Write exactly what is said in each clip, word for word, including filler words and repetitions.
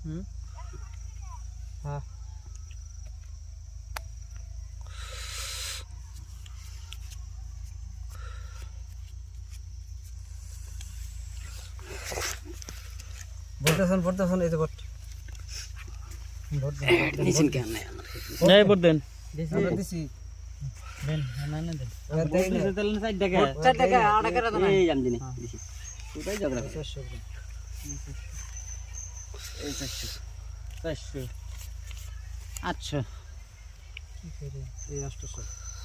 হুম হ্যাঁ ভোটদাসন ভোটদাসন এই যে ভোট ভোট নিছেন কেন নাই আমার নাই ভোট দেন আমরা দিছি দেন না না দেন এবার দেই না তেল না ষাট টাকা চার টাকা আট টাকা দাও এই আমি দিনি দিছি কোথায় ঝগড়া করে? চারশো এই চারশো চারশো আটশো কি করে এই আটশো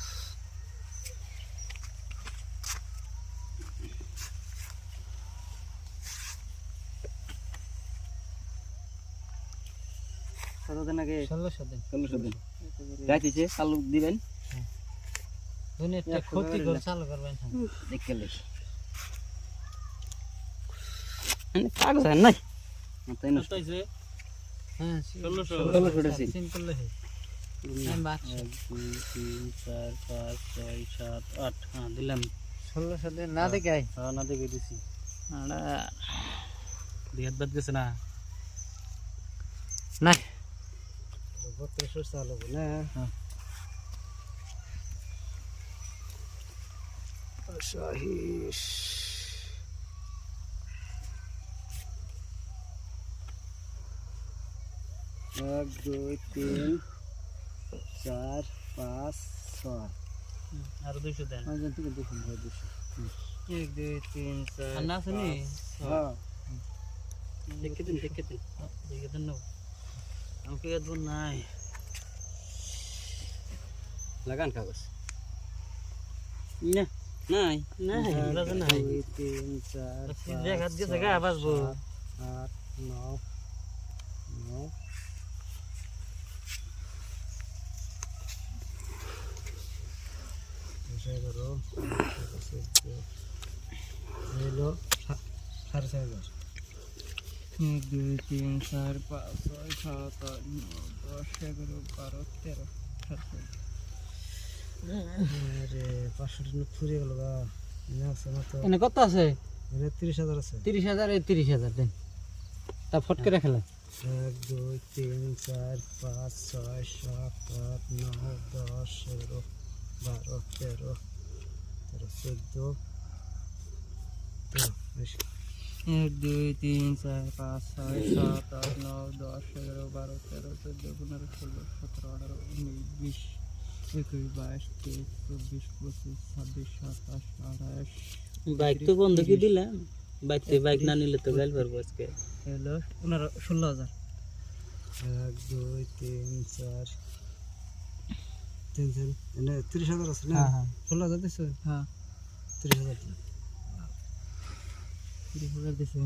কত দিন আগে ষোলোশো দিন ষোলোশো দিন রাইতেছে চালু দিবেন দুনিয়াটা ক্ষতি করে চালু করবেন দেখে লেখ কাগজ আর নাই তাই না হইছে হ্যাঁ ষোলোশো ষোলোশো টাকা সিম্পল লে এক দুই তিন চার পাঁচ ছয় সাত আট হ্যাঁ দিলাম ষোলোশো দিন না দেখাই হ্যাঁ না দেখে দিছি আড়া দুই হাত বাদ গেছে না না বত্রিশশো চালু না হ্যাঁ সহিস এক দুই তিন চার পাঁচ ছয় আর দুইশো দেন পাঁচজন থেকে দেখুন ভাই দুশো এক দুই তিন চার আর না শুনি হ্যাঁ দেখে দিন দেখে দিন দেখে দিন না আমাকে এত নাই লাগান কাগজ না নাই নাই লাগা নাই দুই তিন চার সিধে হাত দিয়ে জায়গা বাসবো আট নয় নয় এগারো হলো সাড়ে চার হাজার এক দুই তিন চার পাঁচ ছয় সাত আট নয় দশ এগারো বারো তেরো আরে পাঁচশো টাকা ফুরিয়ে গেল গা এনে কত আছে তিরিশ হাজার আছে তিরিশ হাজার এই তিরিশ হাজার দেন তা ফট করে খেলা এক দুই তিন চার পাঁচ ছয় সাত আট নয় দশ এগারো বারো তেরো তেরো চোদ্দো এক দুই তিন চার পাঁচ ছয় সাত আট নয় দশ এগারো বারো তেরো চোদ্দো পনেরো ষোলো সতেরো আঠারো উনিশ বিশ একুশ বাইশ তেইশ চব্বিশ পঁচিশ ছাব্বিশ সাতাশ আঠাশ বাইক তো বন্ধ কি দিলাম বাইক তো বাইক না নিলে তো গাইল পারবো আজকে হলো পনেরো ষোলো হাজার এক দুই তিন চার তিন তিন এনে তিরিশ হাজার আছে না হ্যাঁ ষোলো হাজার দিচ্ছে হ্যাঁ তিরিশ হাজার দিন তিরিশ হাজার দিছে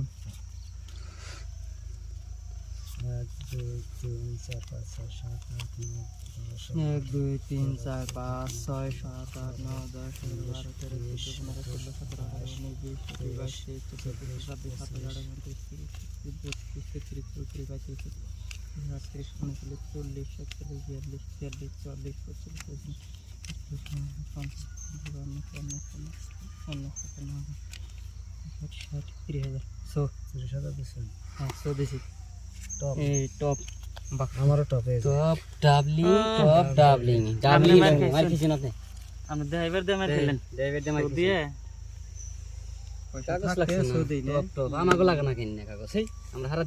এক দুই তিন চার পাঁচ ছয় সাত আট নয় দশ এক দুই তিন চার পাঁচ ছয় সাত আট নয় দশ এগারো বারো তেরো চোদ্দো পনেরো ষোলো সতেরো আঠারো উনিশ বিশ একুশ বাইশ তেইশ চব্বিশ ছাব্বিশ সাতাশ আঠাশ উনত্রিশ তিরিশ বত্রিশ তেত্রিশ চৌত্রিশ পঁয়ত্রিশ আটত্রিশ উনচল্লিশ চল্লিশ একচল্লিশ বিয়াল্লিশ তিয়াল্লিশ চুয়াল্লিশ পঁয়তাল্লিশ পঁয়ত্রিশ পঞ্চাশ বান্ন চুয়ান্ন পঞ্চান্ন সাতান্ন ষাট ষাট তিরিশ হাজার শো তিরিশ হাজার দিচ্ছে হ্যাঁ শো দিছি টপ এই টপ আমারও টপ এই টপ ডাবলি টপ ডাবলিং ডাবলি মার কিছু না আপনি ড্রাইভার দিয়ে মার খেলেন ড্রাইভার দে মার দিয়ে কাগজ লাগছে না টপ টপ আমাগো লাগা না কিনে কাগজ এই আমরা